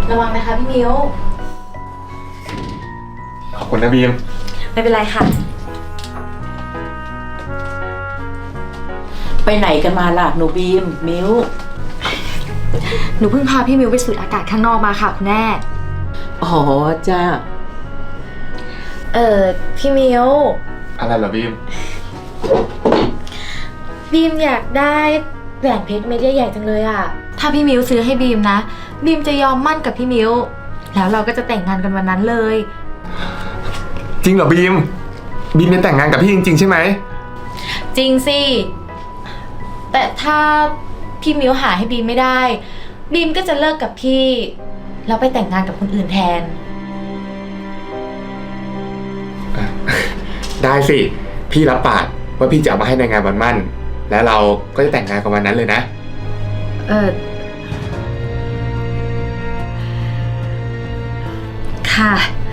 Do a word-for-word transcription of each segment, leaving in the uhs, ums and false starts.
ระวังนะคะพี่มิวขอบคุณนะบีมไม่เป็นไรค่ะไปไหนกันมาล่ะหนูบีมมิวหนูเพิ่งพาพี่มิวไปสูดอากาศข้างนอกมาค่ะคุณแม่อ๋อจ้าเออพี่มิวอะไรเหรอบีมบีมอยากได้แหวนเพชรเม็ดใหญ่ๆจังเลยอะถ้าพี่มิวซื้อให้บีมนะบีมจะยอมมั่นกับพี่มิวแล้วเราก็จะแต่งงานกันวันนั้นเลยจริงเหรอบีมบีมจะแต่งงานกับพี่จริงๆใช่ไหมจริงสิแต่ถ้าพี่มิวหาให้บีมไม่ได้บีมก็จะเลิกกับพี่แล้วไปแต่งงานกับคนอื่นแทนได้สิพี่รับปากว่าพี่จะเอามาให้ในงานวันมั่นแล้วเราก็จะแต่งงานกันวันนั้นเลยนะเออค่ะ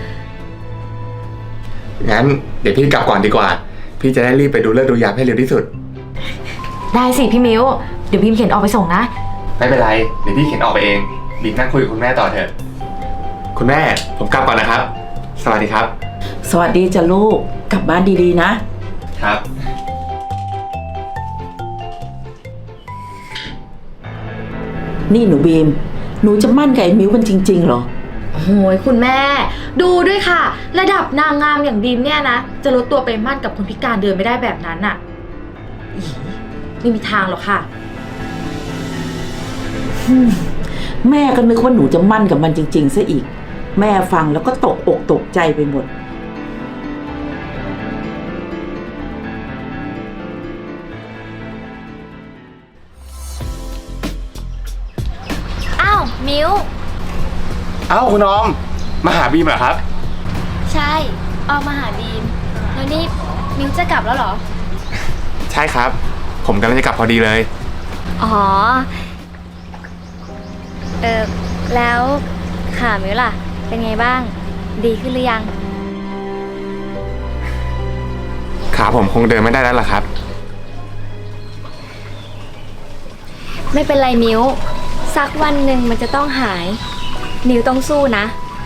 งั้นเดี๋ยวพี่กลับก่อนดีกว่าพี่จะได้รีบไปดูเลิกดูยามให้เร็วที่สุดได้สิพี่มิวเดี๋ยวบีมเข็นออกไปส่งนะไม่เป็นไรเดี๋ยวพี่เข็นออกไปเองบีมนั่งคุยกับคุณแม่ต่อเถอะคุณแม่ผมกลับก่อนนะครับสวัสดีครับสวัสดีจ้ะลูกกลับบ้านดีๆนะครับนี่หนูบีมหนูจะมั่นกับไอ้มิวมันจริงๆเหรอโอ้ยคุณแม่ดูด้วยค่ะระดับนางงามอย่างบีมเนี่ยนะจะลดตัวไปมั่นกับคนพิการเดินไม่ได้แบบนั้นน่ะไม่มีทางหรอกค่ะแม่ก็นึกว่าหนูจะมั่นกับมันจริงๆซะอีกแม่ฟังแล้วก็ตกอกตกใจไปหมดอ้าวมิวอ้าวคุณออมมาหาบีมเหรอครับใช่ออมมาหาบีมแล้วนี่มิวจะกลับแล้วเหรอใช่ครับผมกำลังจะกลับพอดีเลยอ๋อเออแล้วขามิวล่ะเป็นไงบ้างดีขึ้นหรือยังขาผมคงเดินไม่ได้แล้วล่ะครับไม่เป็นไรมิวสักวันหนึ่งมันจะต้องหายมิวต้องสู้นะ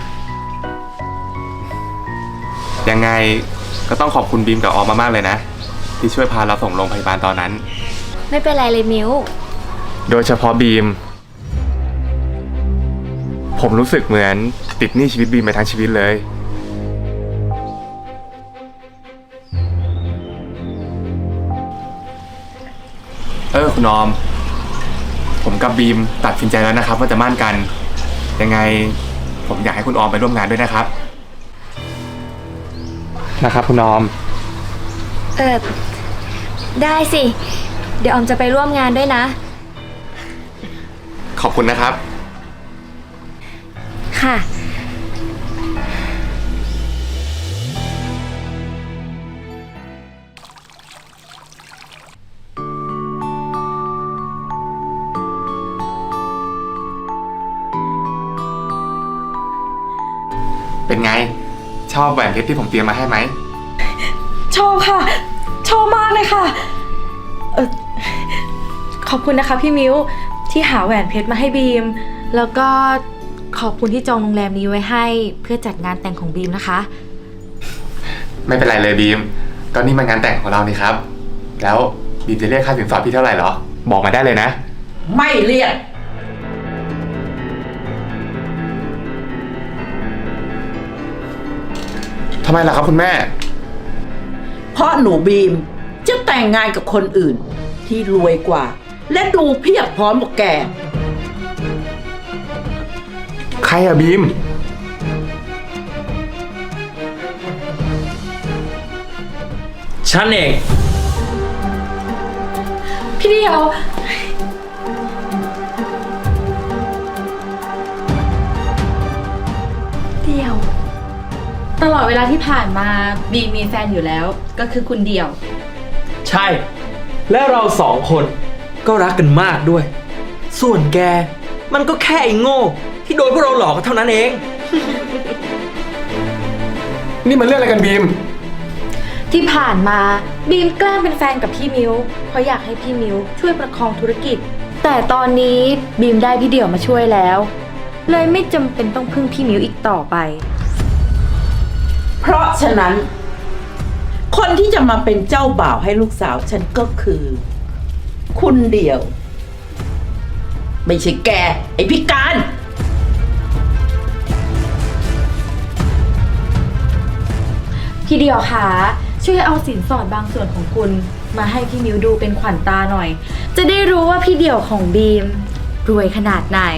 ยังไงก็ต้องขอบคุณบีมกับออมมากๆเลยนะที่ช่วยพาเราส่งโรงพยาบาลตอนนั้นไม่เป็นไรเลยมิวโดยเฉพาะบีมผมรู้สึกเหมือนติดหนี้ชีวิตบีมไปทั้งชีวิตเลยเออคุณออมผมกับบีมตัดสินใจแล้วนะครับว่าจะมั่นกันยังไงผมอยากให้คุณออมไปร่วมงานด้วยนะครับนะครับคุณออมเออได้สิเดี๋ยวออมจะไปร่วมงานด้วยนะขอบคุณนะครับค่ะเป็นไงชอบแหวนเพชรที่ผมเตรียมมาให้ไหมชอบค่ะชอบมากเลยค่ะเออขอบคุณนะคะพี่มิวที่หาแหวนเพชรมาให้บีมแล้วก็ขอบคุณที่จองโรงแรมนี้ไว้ให้เพื่อจัดงานแต่งของบีมนะคะไม่เป็นไรเลยบีมก็นี่มันงานแต่งของเรานี่ครับแล้วบีมจะเรียกค่าสินสอดพี่เท่าไหร่เหรอบอกมาได้เลยนะไม่เรียกทำไมล่ะครับคุณแม่เพราะหนูบีมจะแต่งงานกับคนอื่นที่รวยกว่าและดูเพียบพร้อมกว่าแกใครอะบีมฉันเองพี่เดียวเดียวตลอดเวลาที่ผ่านมาบีมีแฟนอยู่แล้วก็คือคุณเดียวใช่และเราสองคนก็รักกันมากด้วยส่วนแกมันก็แค่ไอ้โง่ที่โดนพวกเราหลอกกันเท่านั้นเองนี่มันเรื่องอะไรกันบีมที่ผ่านมาบีมแกล้งเป็นแฟนกับพี่มิวเพราะอยากให้พี่มิวช่วยประคองธุรกิจแต่ตอนนี้บีมได้พี่เดี่ยวมาช่วยแล้วเลยไม่จำเป็นต้องพึ่งพี่มิวอีกต่อไปเพราะฉะนั้น คนที่จะมาเป็นเจ้าบ่าวให้ลูกสาวฉันก็คือ คุณเดียว ไม่ใช่แก ไอ้พิการพี่เดียวคะช่วยเอาสินสอดบางส่วนของคุณ มาให้พี่มิวดูเป็นขวัญตาหน่อย จะได้รู้ว่าพี่เดียวของบีม รวยขนาดไหน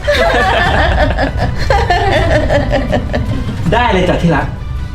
ได้เลยจ้ะที่รัก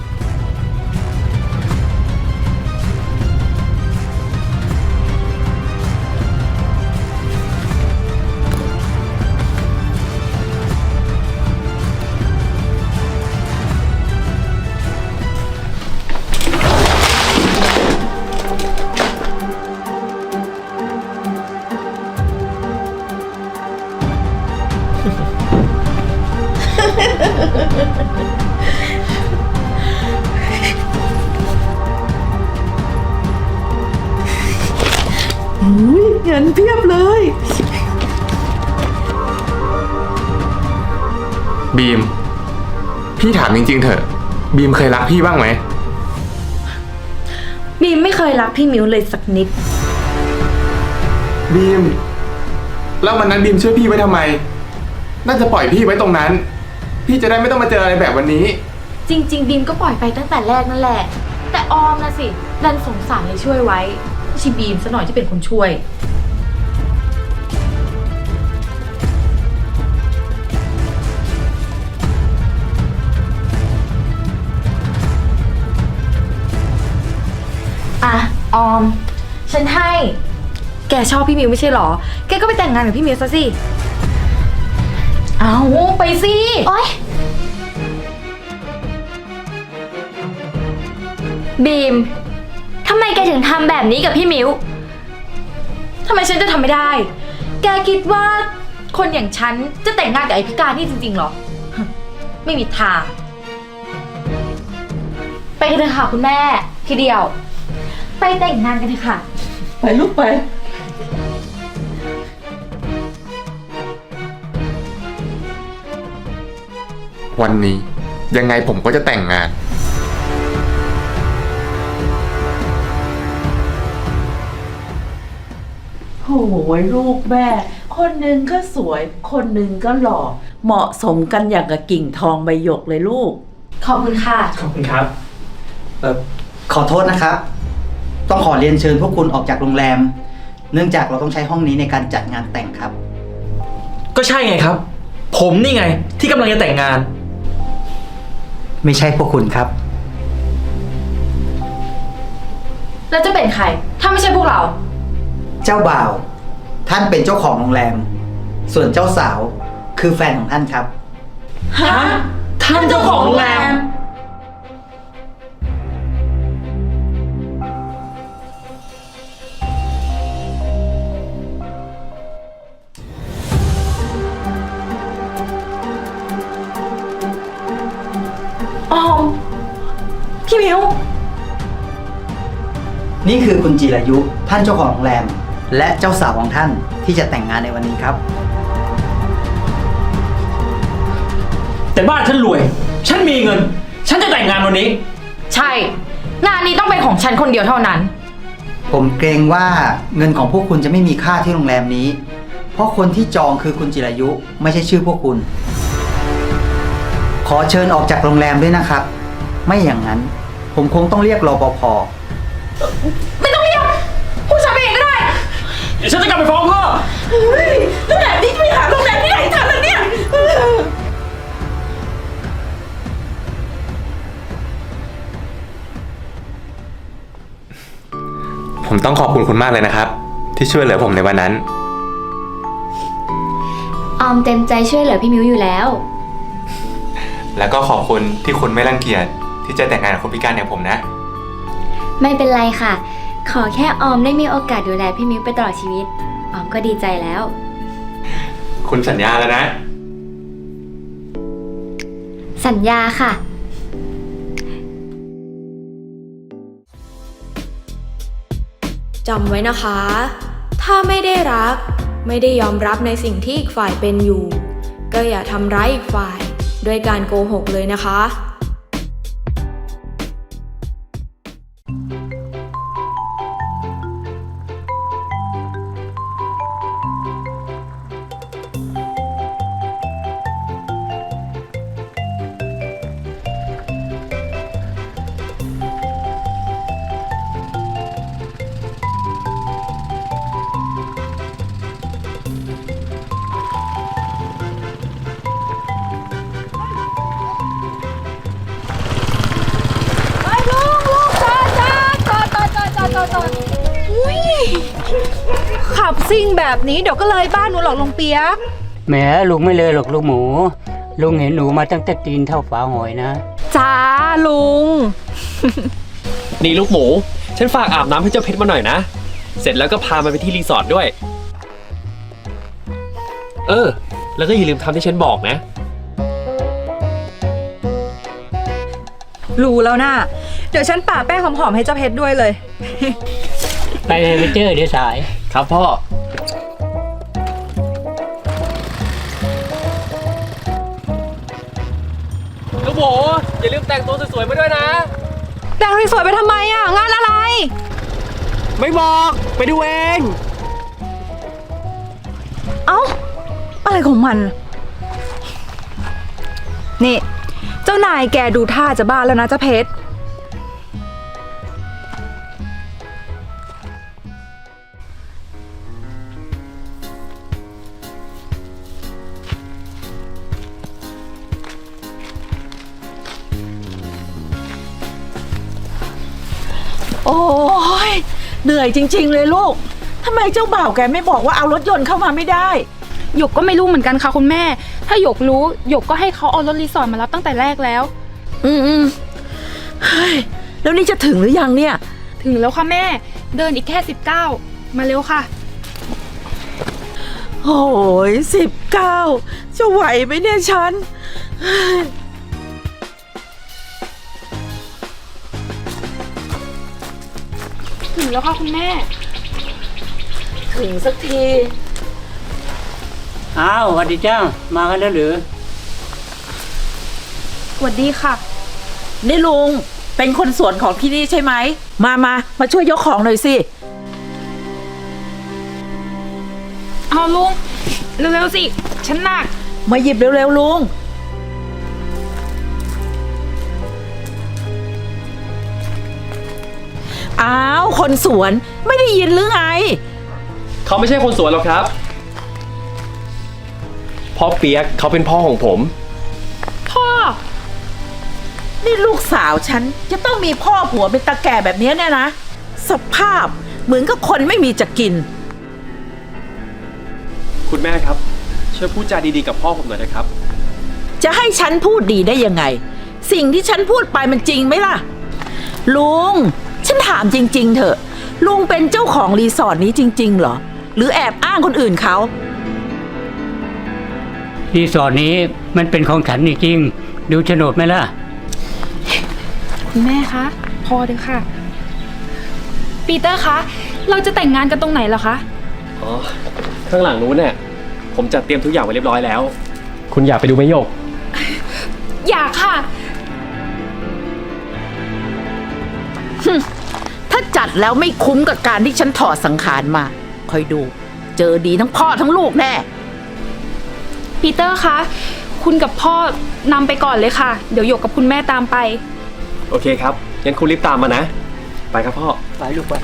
อุ้ยเงินเพียบเลยบีม พี่ถามจริงๆเถอะ บีมเคยรักพี่บ้างไหมบีมไม่เคยรักพี่มิวเลยสักนิดบีม แล้ววันนั้นบีมช่วยพี่ไว้ทำไม น่าจะปล่อยพี่ไว้ตรงนั้น พี่จะได้ไม่ต้องมาเจออะไรแบบวันนี้จริง ๆ บีมก็ปล่อยไปตั้งแต่แรกนั่นแหละ แต่ออมนะสิดันสงสารเลยช่วยไว้ไม่ใช่บีมซะหน่อยที่เป็นคนช่วย อ่ะ ออม ฉันให้ แกชอบพี่มิวไม่ใช่หรอ แกก็ไปแต่งงานกับพี่มิวซะสิ เอาไปสิโอ๊ย บีม ทำไมแกถึงทำแบบนี้กับพี่มิวทำไมฉันจะทำไม่ได้ แกคิดว่าคนอย่างฉันจะแต่งงานกับไอ้พิการนี่จริงๆหรอ ไม่มีทาง ไปกันเถอะค่ะคุณแม่ ทีเดียว ไปแต่งงานกันเถอะค่ะไปลูกไปวันนี้ยังไงผมก็จะแต่งงานโอ้ยลูกแม่ คนหนึ่งก็สวย คนหนึ่งก็หล่อ เหมาะสมกันอย่างกับกิ่งทองใบหยกเลยลูกขอบคุณค่ะขอบคุณครับเอ่อขอโทษนะครับ ต้องขอเรียนเชิญพวกคุณออกจากโรงแรม เนื่องจากเราต้องใช้ห้องนี้ในการจัดงานแต่งครับก็ใช่ไงครับ ผมนี่ไงที่กำลังจะแต่งงานไม่ใช่พวกคุณครับแล้วจะเป็นใคร ถ้าไม่ใช่พวกเราเจ้าบ่าว ท่านเป็นเจ้าของโรงแรม ส่วนเจ้าสาวคือแฟนของท่านครับฮะ ท่านเจ้าของโรงแรมออม พี่มิวนี่คือคุณจิรายุ ท่านเจ้าของโรงแรม และเจ้าสาวของท่านที่จะแต่งงานในวันนี้ครับแต่บ้านฉันรวย ฉันมีเงิน ฉันจะแต่งงานวันนี้ใช่ งานนี้ต้องเป็นของฉันคนเดียวเท่านั้นผมเกรงว่าเงินของพวกคุณจะไม่มีค่าที่โรงแรมนี้ เพราะคนที่จองคือคุณจิรายุ ไม่ใช่ชื่อพวกคุณ ขอเชิญออกจากโรงแรมด้วยนะครับ ไม่อย่างนั้น ผมคงต้องเรียกรปภไม่ต้องเรียกผู้ชายไปเองก็ได้เดี๋ยวฉันจะกลับไปฟ้องพ่อเฮ้ยแล้วแบบนี้จะไปหาโรงแรมที่ไหนทันล่ะเนี่ยผมต้องขอบคุณคุณมากเลยนะครับ ที่ช่วยเหลือผมในวันนั้นออมเต็มใจช่วยเหลือพี่มิวอยู่แล้วแล้วก็ขอบคุณที่คุณไม่รังเกียจที่จะแต่งงานกับคนพิการอย่างผมนะไม่เป็นไรค่ะ ขอแค่ออมได้มีโอกาสดูแลพี่มิวไปตลอดชีวิต ออมก็ดีใจแล้วคุณสัญญาแล้วนะสัญญาค่ะจำไว้นะคะ ถ้าไม่ได้รัก ไม่ได้ยอมรับในสิ่งที่อีกฝ่ายเป็นอยู่ก็อย่าทำร้ายอีกฝ่ายด้วยการโกหกเลยนะคะขับซิ่งแบบนี้เดี๋ยวก็เลยบ้านหนูหรอกลุงเปียกแหมลุงไม่เลยหรอกลูกหมู ลุงเห็นหนูมาตั้งแต่ตีนเท่าฝาหอยนะจ้าลุงนี่ลูกหมู ฉันฝากอาบน้ำให้เจ้าเพชรมาหน่อยนะ เสร็จแล้วก็พามันไปที่รีสอร์ทด้วย เออ แล้วก็อย่าลืมทำที่ฉันบอกนะรู้แล้วนะเดี๋ยวฉันป่าแป้งหอมๆให้เจ้าเพชรด้วยเลยไปเลยไปเจอเดี๋ยวสายครับพ่อ ลูกหมู อย่าลืมแต่งตัวสวยๆมาด้วยนะแต่งสวยๆไปทำไมอ่ะ งานอะไรไม่บอก ไปดูเองเอ้า อะไรของมัน นี่ เจ้านายแกดูท่าจะบ้าแล้วนะเจ้าเพชรโอ้ยเหนื่อยจริง ๆ เลยลูกทำไมเจ้าบ่าวแกไม่บอกว่าเอารถยนต์เข้ามาไม่ได้หยกก็ไม่รู้เหมือนกันค่ะคุณแม่ ถ้าหยกรู้หยกก็ให้เขาเอารถรีสอร์ทมารับตั้งแต่แรกแล้วอืมอืมเฮ้ยแล้วนี่จะถึงหรือยังเนี่ยถึงแล้วค่ะแม่ เดินอีกแค่สิบเก้ามาเร็วค่ะโอ้ยสิบเก้าจะไหวไหมเนี่ยฉันถึงแล้วค่ะคุณแม่ถึงสักทีอ้าวสวัสดีเจ้า มากันแล้วหรือสวัสดีค่ะนี่ลุงเป็นคนสวนของที่นี่ใช่ไหม มามามาช่วยยกของหน่อยสิเอาลุง เร็วๆสิ ฉันหนักมาหยิบเร็วๆลุง อ้าว คนสวนไม่ได้ยินหรือไงเขาไม่ใช่คนสวนหรอกครับ พ่อเปียกเขาเป็นพ่อของผมพ่อนี่ลูกสาวฉันจะต้องมีพ่อผัวเป็นตาแก่แบบนี้เนี่ยนะ สภาพเหมือนกับคนไม่มีจะกินคุณแม่ครับ ช่วยพูดจาดีๆกับพ่อผมหน่อยนะครับจะให้ฉันพูดดีได้ยังไง สิ่งที่ฉันพูดไปมันจริงไหมล่ะ ลุง ฉันถามจริง ๆ เถอะ ลุงเป็นเจ้าของรีสอร์ทนี้จริง ๆ เหรอ หรือแอบอ้างคนอื่นเขารีสอร์ทนี้มันเป็นของฉันจริงๆดูโฉนดไหมล่ะคุณแม่คะ พอเถอะค่ะ ปีเตอร์คะ เราจะแต่งงานกันตรงไหนเหรอคะอ๋อ ข้างหลังนู้นเนี่ย ผมจัดเตรียมทุกอย่างไว้เรียบร้อยแล้ว คุณอยากไปดูไหมโยกอยากค่ะถ้าจัดแล้วไม่คุ้มกับการที่ฉันถอดสังขารมา คอยดู เจอดีทั้งพ่อทั้งลูกแน่ปีเตอร์คะ คุณกับพ่อนำไปก่อนเลยค่ะ เดี๋ยวหยกกับคุณแม่ตามไปโอเคครับ งั้นคุณรีบตามมานะ ไปครับพ่อไปลูกไป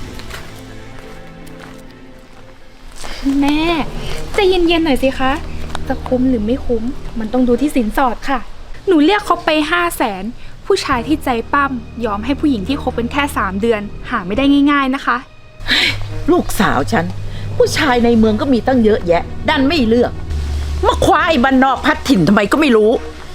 แม่ใจเย็นๆหน่อยสิคะ จะคุ้มหรือไม่คุ้ม มันต้องดูที่สินสอดค่ะ หนูเรียกเขาไปห้าแสนผู้ชายที่ใจปั้มยอมให้ผู้หญิงที่คบเป็นแค่สามเดือน หาไม่ได้ง่าย ๆนะคะลูกสาวฉัน ผู้ชายในเมืองก็มีตั้งเยอะแยะ ดันไม่เลือก มาคว้าไอ้บ้านนอกพัดถิ่นทำไมก็ไม่รู้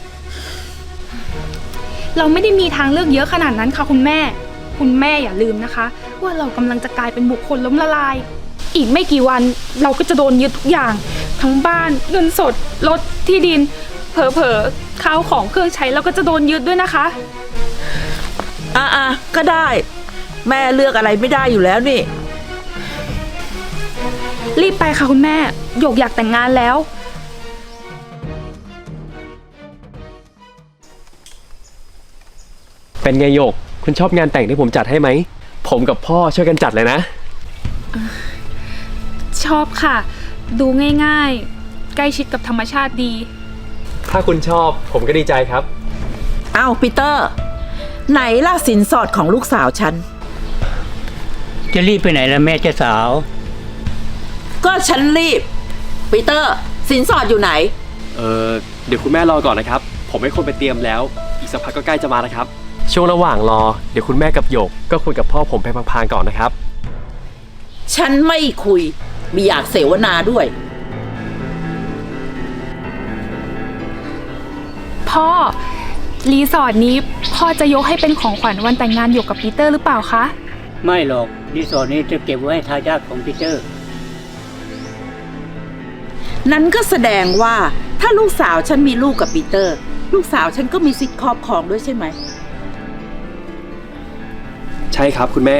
เราไม่ได้มีทางเลือกเยอะขนาดนั้นค่ะคุณแม่ คุณแม่อย่าลืมนะคะ ว่าเรากำลังจะกลายเป็นบุคคลล้มละลาย อีกไม่กี่วันเราก็จะโดนยึดทุกอย่าง ทั้งบ้านเงินสดรถที่ดิน เผลอๆข้าวของเครื่องใช้เราก็จะโดนยึดด้วยนะคะอ่ะๆก็ได้ แม่เลือกอะไรไม่ได้อยู่แล้วนี่รีบไปค่ะคุณแม่หยกอยากแต่งงานแล้วเป็นไงโยก คุณชอบงานแต่งที่ผมจัดให้ไหม ผมกับพ่อช่วยกันจัดเลยนะชอบค่ะ ดูง่ายๆ ใกล้ชิดกับธรรมชาติดีถ้าคุณชอบผมก็ดีใจครับเอาปีเตอร์ ไหนล่ะสินสอดของลูกสาวฉันจะรีบไปไหนล่ะแม่เจ้าสาวก็ฉันรีบ ปีเตอร์ สินสอดอยู่ไหนเออเดี๋ยวคุณแม่รอก่อนนะครับ ผมให้คนไปเตรียมแล้ว อีกสักพักก็ใกล้จะมาแล้วครับ ช่วงระหว่างรอ เดี๋ยวคุณแม่กับโยก ก็คุยกับพ่อผมไปพลางๆก่อนนะครับฉันไม่คุยไม่อยากเสวนาด้วยพ่อ รีสอร์ทนี้พ่อจะยกให้เป็นของขวัญวันแต่งงานหยกกับปีเตอร์หรือเปล่าคะไม่หรอกรีสอร์ทนี้จะเก็บไว้ให้ทายาทของปีเตอร์นั้นก็แสดงว่าถ้าลูกสาวฉันมีลูกกับปีเตอร์ ลูกสาวฉันก็มีสิทธิ์ครอบครองด้วยใช่ไหมใช่ครับคุณแม่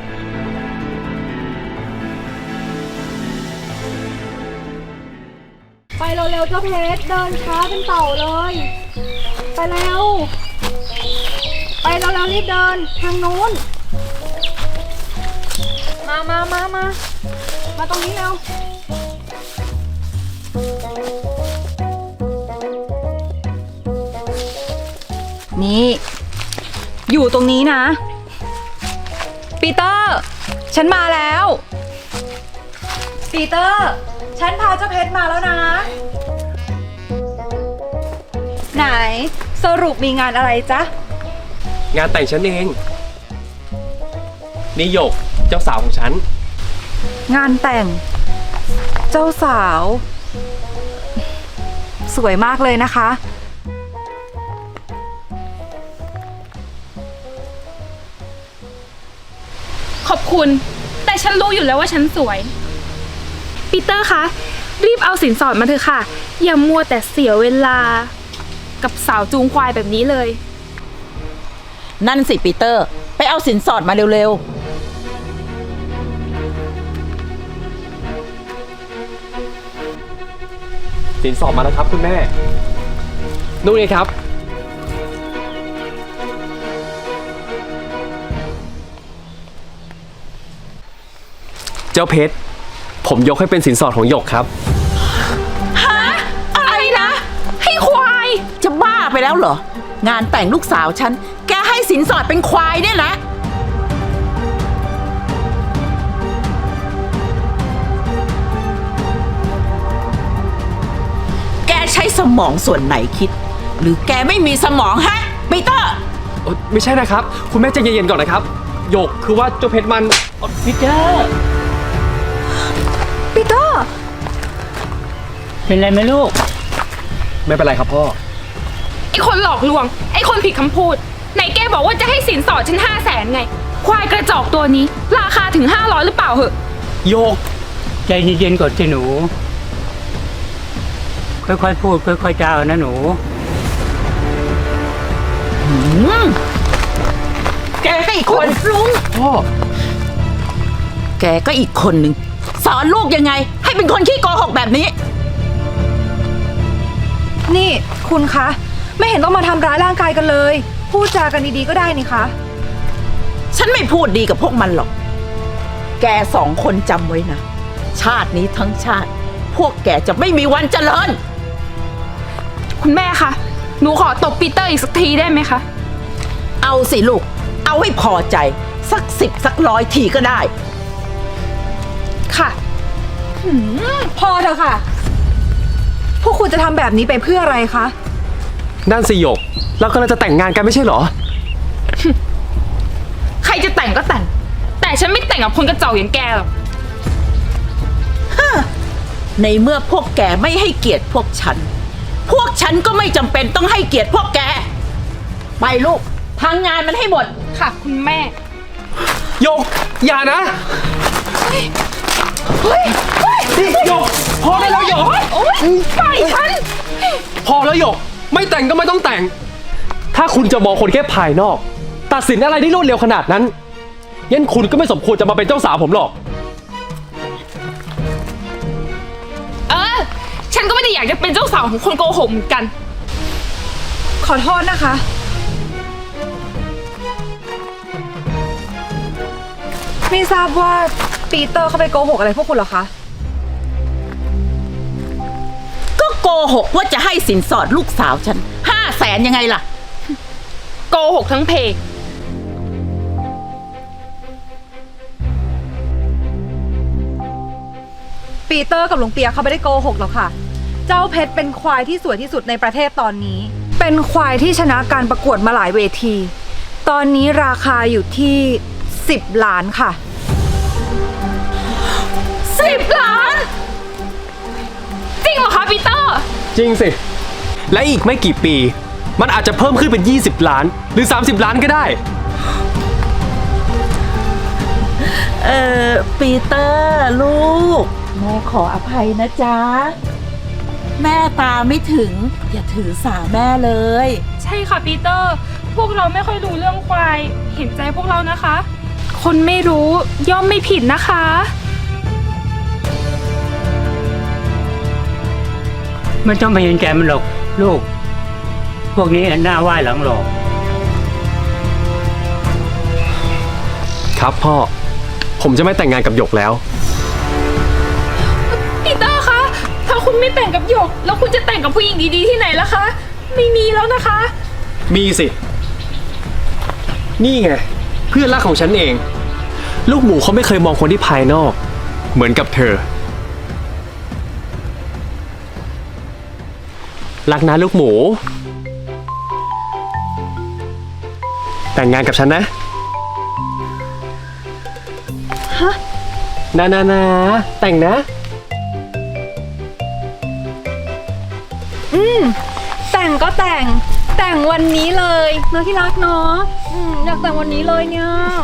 ไปเร็วๆเจ้าเพชรเดินช้าเป็นเต่าเลย ไปเร็ว ไปเร็วๆรีบเดินทางนู้น มามามามามาตรงนี้เร็วนี่ อยู่ตรงนี้นะ ปีเตอร์ ฉันมาแล้ว ปีเตอร์ ฉันพาเจ้าเพชรมาแล้วนะ ไหน สรุปมีงานอะไรจ๊ะงานแต่งฉันเอง นี่โยก เจ้าสาวของฉันงานแต่ง เจ้าสาว สวยมากเลยนะคะขอบคุณ แต่ฉันรู้อยู่แล้วว่าฉันสวย ปีเตอร์คะ รีบเอาสินสอดมาเถอะค่ะ อย่ามัวแต่เสียเวลา กับสาวจูงควายแบบนี้เลยนั่นสิปีเตอร์ ไปเอาสินสอดมาเร็วสินสอดมาแล้วครับคุณแม่ นู่นไงครับ เจ้าเพชร ผมยกให้เป็นสินสอดของหยกครับฮะ อะไรนะ ให้ควายๆ จะบ้าไปแล้วเหรอ งานแต่งลูกสาวฉัน แกให้สินสอดเป็นควายเนี่ยนะ แกใช้สมองส่วนไหนคิด หรือแกไม่มีสมองฮะปีเตอร์โอ๊ยไม่ใช่นะครับ คุณแม่ใจเย็นๆก่อนนะครับหยกคือว่าเจ้าเพชรมันพีเตอร์ปีเตอร์เป็นไรไหมลูกไม่เป็นไรครับพ่อไอ้คนหลอกลวง ไอ้คนผิดคำพูด ไหนแกบอกว่าจะให้สินสอดฉันห้าแสนไง ควายกระจอกตัวนี้ ราคาถึงห้าร้อยหรือเปล่าเหอะโยกใจเย็นๆก่อนสิหนู ค่อยๆพูดค่อยๆจานะหนูอืมแกก็อีกคนลุงพ่อแกก็อีกคนหนึ่งสอนลูกยังไง ให้เป็นคนขี้โกหกแบบนี้นี่คุณคะ ไม่เห็นต้องมาทำร้ายร่างกายกันเลย พูดจากันดีๆก็ได้นี่คะฉันไม่พูดดีกับพวกมันหรอก แกสองคนจำไว้นะ ชาตินี้ทั้งชาติ พวกแกจะไม่มีวันเจริญคุณแม่คะ หนูขอตบปีเตอร์อีกสักทีได้ไหมคะเอาสิลูก เอาให้พอใจ สักสิบสักร้อยทีก็ได้ค่ะพอเถอะค่ะ พวกคุณจะทำแบบนี้ไปเพื่ออะไรคะนั่นสิหยก เรากำลังจะแต่งงานกันไม่ใช่เหรอใครจะแต่งก็แต่ง แต่ฉันไม่แต่งกับคนกระจอกอย่างแกหรอกในเมื่อพวกแกไม่ให้เกียรติพวกฉัน พวกฉันก็ไม่จำเป็นต้องให้เกียรติพวกแก ไปลูกทางงานมันให้หมดค่ะ คุณแม่โยก อย่านะเฮ้ยเฮ้ยนี่หยก พอได้แล้วหยกโอ๊ยปล่อยฉันพอแล้วหยก ไม่แต่งก็ไม่ต้องแต่ง ถ้าคุณจะมองคนแค่ภายนอก ตัดสินอะไรได้รวดเร็วขนาดนั้นงั้นคุณก็ไม่สมควรจะมาเป็นเจ้าสาวผมหรอกเออ ฉันก็ไม่ได้อยากจะเป็นเจ้าสาวของคนโกหกเหมือนกันขอโทษนะคะไม่ทราบว่าปีเตอร์เขาไปโกหกอะไรพวกคุณเหรอคะก็โกหกว่าจะให้สินสอดลูกสาวฉันห้าแสนยังไงล่ะโกหกทั้งเพปีเตอร์กับลุงเปียเขาไม่ได้โกหกหรอกค่ะ เจ้าเพชรเป็นควายที่สวยที่สุดในประเทศตอนนี้ เป็นควายที่ชนะการประกวดมาหลายเวที ตอนนี้ราคาอยู่ที่สิบล้านค่ะสิบล้าน จริงเหรอคะปีเตอร์จริงสิ และอีกไม่กี่ปี มันอาจจะเพิ่มขึ้นเป็น ยี่สิบ ล้าน หรือ สามสิบ ล้านก็ได้เออปีเตอร์ลูก แม่ขออภัยนะจ๊ะ แม่ตาไม่ถึง อย่าถือสาแม่เลยใช่ค่ะปีเตอร์ พวกเราไม่ค่อยรู้เรื่องควาย เห็นใจพวกเรานะคะ คนไม่รู้ย่อมไม่ผิดนะคะไม่ต้องไปเห็นใจมันหรอกลูก พวกนี้หน้าไหว้หลังหลอกครับพ่อ ผมจะไม่แต่งงานกับหยกแล้วปีเตอร์คะ ถ้าคุณไม่แต่งกับหยก แล้วคุณจะแต่งกับผู้หญิงดีๆที่ไหนล่ะคะ ไม่มีแล้วนะคะมีสิ นี่ไง เพื่อนรักของฉันเอง ลูกหมูเขาไม่เคยมองคนที่ภายนอก เหมือนกับเธอ รักนะลูกหมู แต่งงานกับฉันนะฮะนานานาแต่งนะอืมแต่งก็แต่ง แต่งวันนี้เลยเนาะที่รักเนาะอืมอยากแต่งวันนี้เลยเนี่ย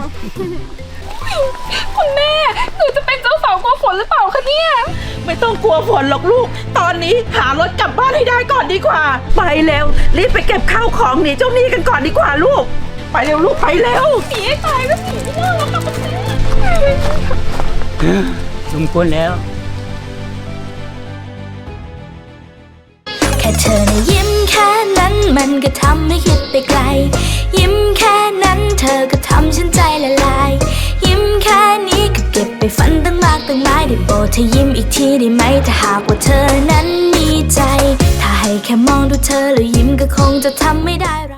คุณแม่ หนูจะเป็นเจ้าสาวกลัวฝนหรือเปล่าคะเนี่ยไม่ต้องกลัวฝนหรอกลูก ตอนนี้หารถกลับบ้านให้ได้ก่อนดีกว่า ไปเร็ว รีบไปเก็บข้าวของหนีเจ้าหนี้กันก่อนดีกว่าลูก ไปเร็วลูกไปเร็วหนีให้ตายก็หนีไม่ได้แล้วค่ะคุณแม่สมควรแล้วแค่เธอนะยิ้มแค่นั้นมันก็ทำให้คิดไปไกล ยิ้มแค่นั้นเธอก็ทำฉันใจละลาย ยิ้มแค่นี้ก็เก็บไปฝันตั้งมากตั้งหลายได้โปรดเธอยิ้มอีกทีได้ไหมถ้าหากว่าเธอนั้นมีใจ ถ้าให้แค่มองดูเธอแล้วยิ้มก็คงจะทำไม่ได้